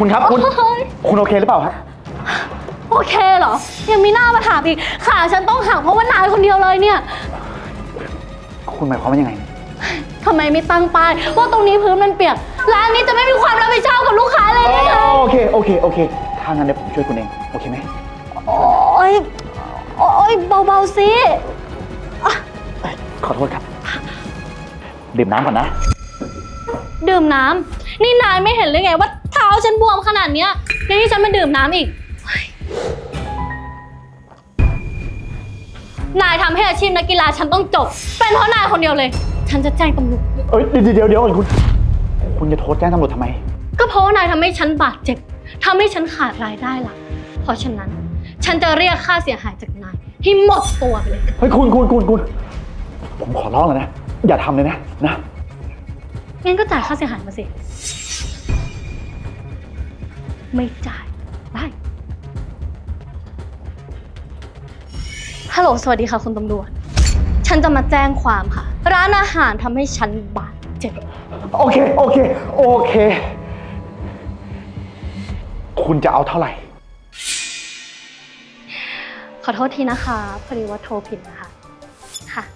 คุณครับคุณโอเคหรือเปล่าครับโอเคเหรอยังมีหน้ามาถามอีกขาฉันต้องหักเพราะว่านายคนเดียวเลยเนี่ยคุณหมายความว่ายังไงทำไมไม่ตั้งป้ายว่าตรงนี้พื้นมันเปียกร้านนี้จะไม่มีความรับผิดชอบกับลูกค้าเลยไงโอเคถ้างั้นเดี๋ยวผมช่วยคุณเองโอเคไหมโอ๊ยเบาๆสิขอโทษครับดื่มน้ำก่อนนะดื่มน้ำนี่นายไม่เห็นเลยไงว่าเท้าฉันบวมขนาดเนี้ยยังให้ฉันมาดื่มน้ำอีกนายทำให้อาชีพนักกีฬาฉันต้องจบเป็นเพราะนายคนเดียวเลยฉันจะแจ้งตำรวจเดี๋ยวคุณจะโทษแจ้งตำรวจทำไมก็เพราะว่านายทำให้ฉันบาดเจ็บทำให้ฉันขาดรายได้หลักเพราะฉะนั้นฉันจะเรียกค่าเสียหายจากนายให้หมดตัวไปเลยเฮ้ยคุณผมขอร้องเลยนะอย่าทำเลยนะงั้นก็จ่ายค่าเสียหายมาสิไม่จ่ายได้ฮัลโหลสวัสดีค่ะคุณตำรวจฉันจะมาแจ้งความค่ะร้านอาหารทำให้ฉันบาดเจ็บโอเคคุณจะเอาเท่าไหร่ขอโทษทีนะคะพอดีว่าโทรผิดนะคะค่ะ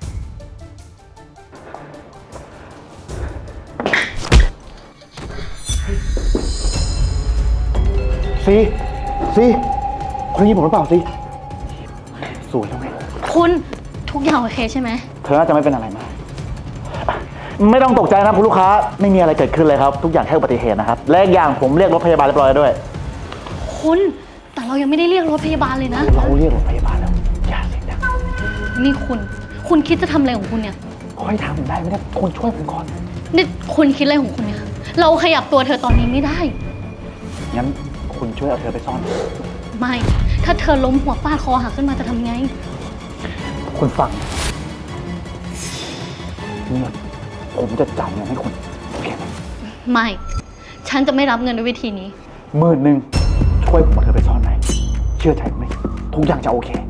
ซีคนนี้ผมหรือเปล่าซีสวยแล้วไงคุณทุกอย่างโอเคใช่ไหมเธอน่าจะไม่เป็นอะไรมากไม่ต้องตกใจนะคุณลูกค้าไม่มีอะไรเกิดขึ้นเลยครับทุกอย่างแค่อุบัติเหตุนะครับและอีกอย่างผมเรียกรถพยาบาลเรียบร้อยแล้วด้วยคุณแต่เรายังไม่ได้เรียกรถพยาบาลเลยนะเราเรียกรถพยาบาลแล้วอย่าเสียงดังนี่คุณคิดจะทำอะไรของคุณเนี่ยค่อยทำได้ไม่ได้คุณช่วยผมก่อนนี่คุณคิดอะไรของคุณเนี่ยเราขยับตัวเธอตอนนี้ไม่ได้งั้นคุณช่วยเอาเธอไปซ่อนไม่ถ้าเธอล้มหัวฟาดคอหักขึ้นมาจะทำไงคุณฟังเนี่ยผมจะจ่ายเงินให้คุณโอเคไหมไม่ฉันจะไม่รับเงินด้วยวิธีนี้ 10,000ช่วยผมเอาเธอไปซ่อนไหมเชื่อใจผมไหมทุกอย่างจะโอเค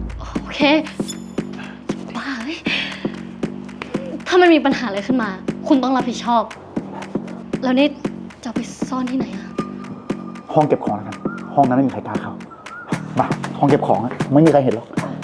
บ้าถ้ามันมีปัญหาอะไรขึ้นมาคุณต้องรับผิดชอบแล้วนี่จะไปซ่อนที่ไหนอะห้องเก็บของแล้วกันห้องนั้นไม่มีใครกล้าเข้ามาห้องเก็บของไม่มีใครเห็นหรอก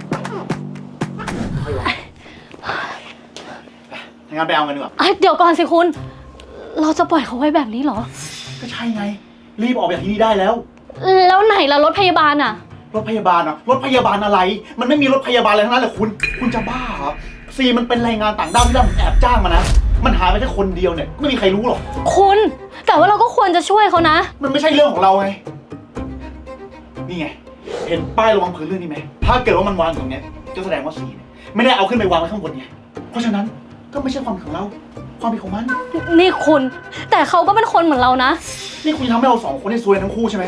งั้นไปเอาเงินดีกว่าเดี๋ยวก่อนสิคุณเราจะปล่อยเขาไว้แบบนี้เหรอก็ใช่ไงรีบออกจากที่นี่ได้แล้วไหนล่ะรถพยาบาลอะรถพยาบาลอะรถพยาบาลอะไรมันไม่มีรถพยาบาลอะไรทั้งนั้นแหละคุณจะบ้าเหรอซีมันเป็นแรงงานต่างด้าวที่เราแอบจ้างมานะมันหายไปแค่คนเดียวเนี่ยไม่มีใครรู้หรอกคุณแต่ว่าเราก็ควรจะช่วยเขานะมันไม่ใช่เรื่องของเราไงนี่ไงเห็นป้ายระวังพื้นเรื่องนี้ไหมถ้าเกิดว่ามันวางตรงนี้ก็แสดงว่าซีเนี่ยไม่ได้เอาขึ้นไปวางไว้ข้างบนไงเพราะฉะนั้นก็ไม่ใช่ความผิดของเราความผิดของมันนี่คุณแต่เขาก็เป็นคนเหมือนเรานะนี่คุณทำให้เรา2 คนได้ซวยทั้งคู่ใช่ไหม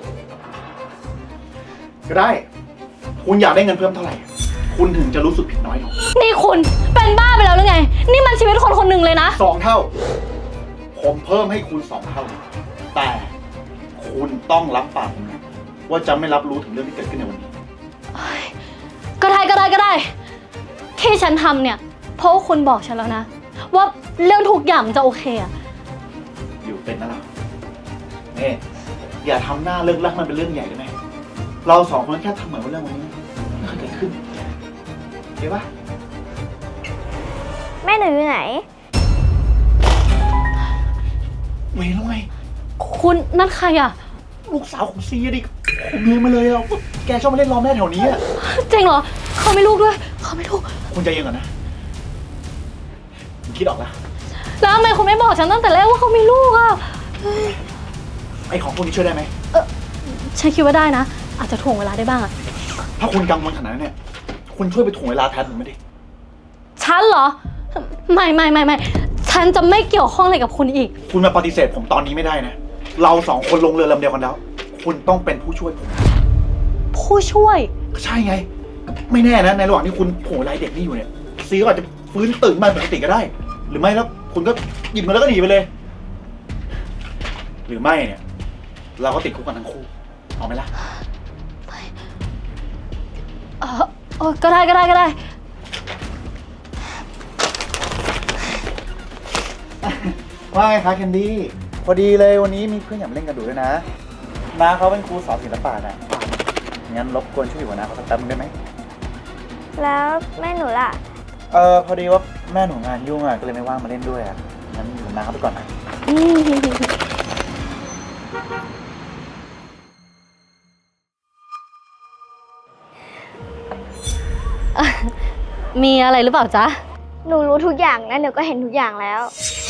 ก็ได้คุณอยากได้เงินเพิ่มเท่าไหร่คุณถึงจะรู้สึกผิดน้อยลงนี่คุณเป็นบ้าไปแล้วหรือไงนี่มันชีวิตคนคนหนึ่งเลยนะ 2 เท่าผมเพิ่มให้คุณ2 เท่าแต่คุณต้องรับปากนะว่าจะไม่รับรู้ถึงเรื่องที่เกิดขึ้นในวันนี้ก็ได้ที่ฉันทำเนี่ยเพราะว่าคุณบอกฉันแล้วนะว่าเรื่องทุกอย่างจะโอเคอะอยู่เป็นนะเราเนี่ยอย่าทำหน้าเลิกลักมันเป็นเรื่องใหญ่ได้ไหมเรา2 คนแค่ทำเหมือนว่าเรื่องวันนี้ไม่เคยเกิดขึ้นเห็นปะแม่หนูอยู่ไหนเวรแล้วไงคุณนั่นใครอะลูกสาวของซีดิผมเลยมาเลยอ่ะแกชอบมาเล่นล้อแม่แถวนี้อ่ะจริงเหรอเขาไม่ลูกด้วยเขาไม่ลูกคุณใจเย็นก่อนนะคิดออกแล้วทำไมคุณไม่บอกฉันตั้งแต่แรกว่าเขามีลูกอ่ะไอของพวกนี้ช่วยได้ไหมฉันคิดว่าได้นะอาจจะถ่วงเวลาได้บ้างอะถ้าคุณกังวลขนาดนั้นเนี่ยคุณช่วยไปถ่วงเวลาแทนผมไม่ดิฉันเหรอไม่ฉันจะไม่เกี่ยวข้องอะไรกับคุณอีกคุณมาปฏิเสธผมตอนนี้ไม่ได้นะเรา2 คนลงเรือลำเดียวกันแล้วคุณต้องเป็นผู้ช่วยผมผู้ช่วยก็ใช่ไงไม่แน่นะในระหว่างที่คุณโผล่ไล่เด็กนี่อยู่เนี่ยซีก็อาจจะฟื้นตื่นมาปกติก็ได้หรือไม่แล้วคุณก็หยิบเงินแล้วก็หนีไปเลยหรือไม่เนี่ยเราก็ติดคุกกันทั้งคู่เอาไหมล่ะก็ได้ว่าไงคะแคนดี้พอดีเลยวันนี้มีเพื่อนอยากมาเล่นกระดูกด้วยนะน้าเขาเป็นครูสอนศิลปะนะงั้นรบกวนช่วยอยู่กับน้าเขาสักแป๊บนึงได้ไหมแล้วแม่หนูล่ะพอดีว่าแม่หนูงานยุ่งอ่ะก็เลยไม่ว่างมาเล่นด้วยอ่ะงั้นอยู่กับน้าเขาไปก่อนนะมีอะไรหรือเปล่าจ๊ะหนูรู้ทุกอย่างและหนูก็เห็นทุกอย่างแล้ว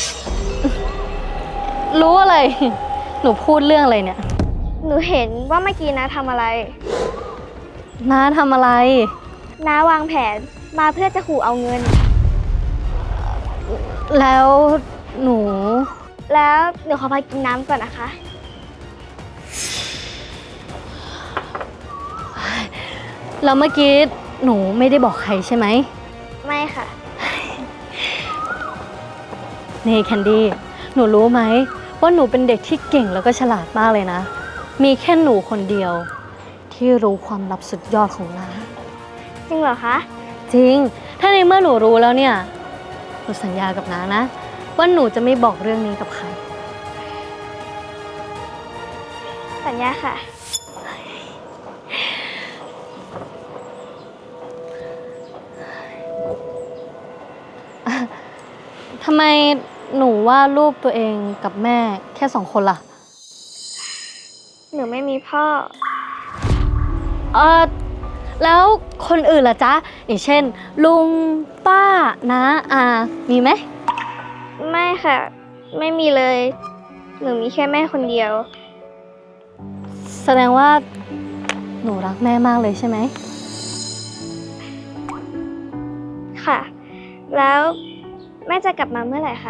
รู้อะไร หนูพูดเรื่องอะไรเนี่ยหนูเห็นว่าเมื่อกี้นะทำอะไรน้าทำอะไรน้าวางแผนมาเพื่อจะขู่เอาเงินแล้วหนูแล้วหนูขอไปกินน้ำก่อนนะคะแล้วเมื่อกี้หนูไม่ได้บอกใครใช่ไหมไม่ค่ะนี่แคนดี้หนูรู้ไหมว่าหนูเป็นเด็กที่เก่งแล้วก็ฉลาดมากเลยนะ มีแค่หนูคนเดียว ที่รู้ความลับสุดยอดของน้าจริงเหรอคะจริง ถ้าในเมื่อหนูรู้แล้วเนี่ย หนูสัญญากับน้านะ ว่าหนูจะไม่บอกเรื่องนี้กับใครสัญญาค่ะทำไมหนูวาดรูปตัวเองกับแม่แค่2 คนล่ะหนูไม่มีพ่อแล้วคนอื่นล่ะจ๊ะ อย่างเช่น ลุง ป้า น้า อา มีไหมไม่ค่ะ ไม่มีเลย หนูมีแค่แม่คนเดียวแสดงว่าหนูรักแม่มากเลยใช่ไหมค่ะ แล้วแม่จะกลับมาเมื่อไหร่คะ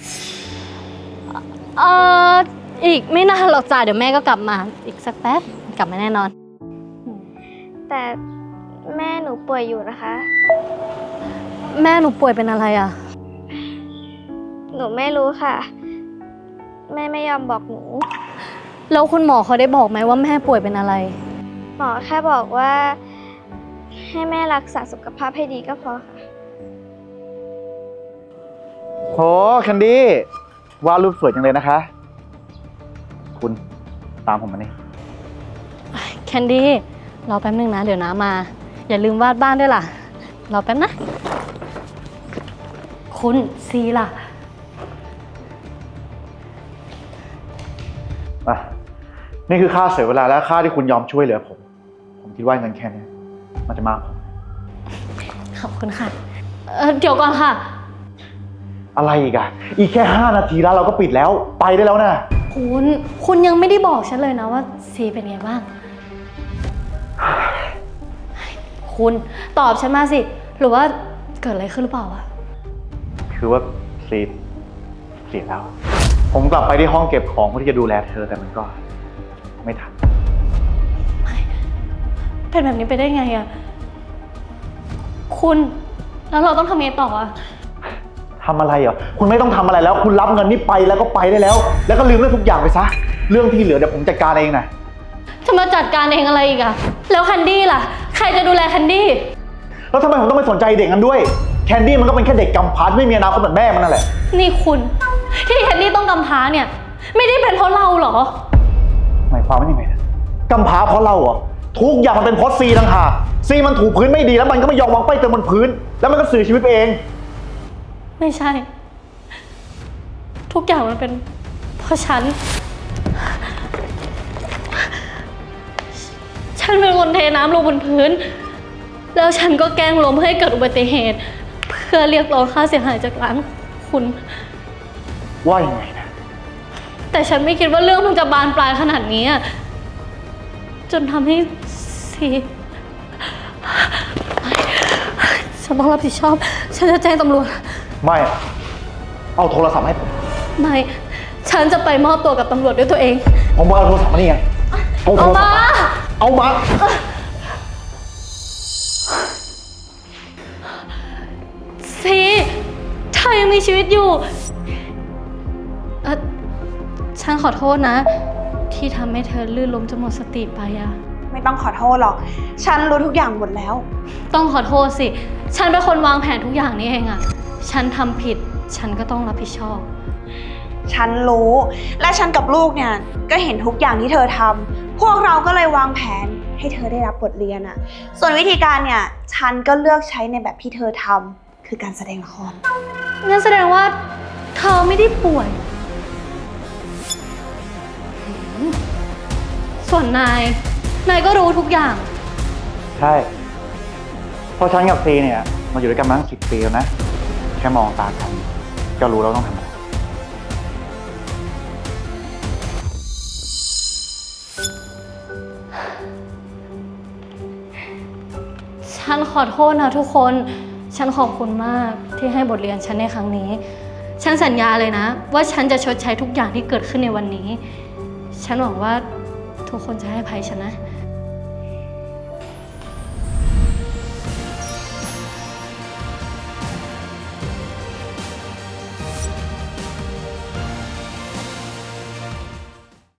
อีกไม่นานหรอกจ้ะเดี๋ยวแม่ก็กลับมา อีกสักแป๊บกลับมาแน่นอนแต่แม่หนูป่วยอยู่นะคะแม่หนูป่วยเป็นอะไรอ่ะหนูไม่รู้ค่ะ แม่ไม่ยอมบอกหนูแล้วคุณหมอเขาได้บอกไหมว่าแม่ป่วยเป็นอะไรหมอแค่บอกว่า ให้แม่รักษาสุขภาพให้ดีก็พอค่ะโหแคนดี้วาดรูปสวยจังเลยนะคะ คุณตามผมมานี่แคนดี้รอแป๊บนึงนะ เดี๋ยวน้ามา อย่าลืมวาดบ้านด้วยล่ะ รอแป๊บนะ คุณซีล่ะอ่ะนี่คือค่าเสียเวลาและค่าที่คุณยอมช่วยเหลือผม ผมคิดว่าเงินแค่นี้มันจะมากพอขอบคุณค่ะ เดี๋ยวก่อนค่ะอะไรอีกอ่ะ อีกแค่5 นาทีแล้วเราก็ปิดแล้ว ไปได้แล้วนะคุณยังไม่ได้บอกฉันเลยนะว่าซีเป็นไงบ้าง คุณตอบฉันมาสิ หรือว่าเกิดอะไรขึ้นหรือเปล่าอะคือว่าซีเสียแล้ว ผมกลับไปที่ห้องเก็บของเพื่อที่จะดูแลเธอแต่มันก็ไม่ทันเป็นแบบนี้ไปได้ไงอะคุณแล้วเราต้องทำไงต่ออะทำอะไรเหรอ คุณไม่ต้องทำอะไรแล้ว คุณรับเงินนี้ไปแล้วก็ไปได้แล้ว แล้วก็ลืมเรื่องทุกอย่างไปซะ เรื่องที่เหลือเดี๋ยวผมจัดการเองนะจะมาจัดการเองอะไรอีกอะแล้วแคนดี้ล่ะ ใครจะดูแลแคนดี้แล้วทำไมผมต้องไปสนใจเด็กนั้นด้วย แคนดี้มันก็เป็นแค่เด็กกำพร้าที่ไม่มีอนาคตเหมือนแม่มันนั่นแหละนี่คุณที่แคนดี้ต้องกำพร้าเนี่ย ไม่ได้เป็นเพราะเราเหรอหมายความว่ายังไงนะกำพร้าเพราะเราเหรอ ทุกอย่างมันเป็นเพราะซีต่างหากซีมันถูพื้นไม่ดีแล้วมันก็ไม่ยอมวางป้ายเติมบนพื้น แล้วมันก็เสียชีวิตไปเองไม่ใช่ ทุกอย่างมันเป็นเพราะฉันเป็นคนเทน้ำลงบนพื้น แล้วฉันก็แกล้งล้มให้เกิดอุบัติเหตุ เพื่อเรียกร้องค่าเสียหายจากร้านคุณว่ายังไงนะแต่ฉันไม่คิดว่าเรื่องมันจะบานปลายขนาดนี้อะจนทำให้ซีฉันต้องรับผิดชอบ ฉันจะแจ้งตำรวจไม่อะเอาโทรศัพท์ให้ผมไม่ ฉันจะไปมอบตัวกับตำรวจด้วยตัวเองผมบอกเอาโทรศัพท์มานี่ไงเอาโทรศัพท์มาเอามาซีเธอยังมีชีวิตอยู่ ฉันขอโทษนะ ที่ทำให้เธอลื่นล้มจนหมดสติไปอะไม่ต้องขอโทษหรอก ฉันรู้ทุกอย่างหมดแล้วต้องขอโทษสิ ฉันเป็นคนวางแผนทุกอย่างนี้เองอะฉันทำผิด ฉันก็ต้องรับผิดชอบฉันรู้ และฉันกับลูกเนี่ยก็เห็นทุกอย่างที่เธอทำพวกเราก็เลยวางแผนให้เธอได้รับบทเรียนอะส่วนวิธีการเนี่ยฉันก็เลือกใช้ในแบบที่เธอทำคือการแสดงละครงั้นแสดงว่าเธอไม่ได้ป่วย ส่วนนายก็รู้ทุกอย่างใช่เพราะฉันกับซีเนี่ยมาอยู่ด้วยกันมาตั้ง10 ปีแล้วนะ แค่มองตากันก็รู้แล้วต้องทำอะไรฉันขอโทษนะทุกคน ฉันขอบคุณมากที่ให้บทเรียนฉันในครั้งนี้ ฉันสัญญาเลยนะ ว่าฉันจะชดใช้ทุกอย่างที่เกิดขึ้นในวันนี้ ฉันหวังว่าทุกคนจะให้อภัยฉันนะ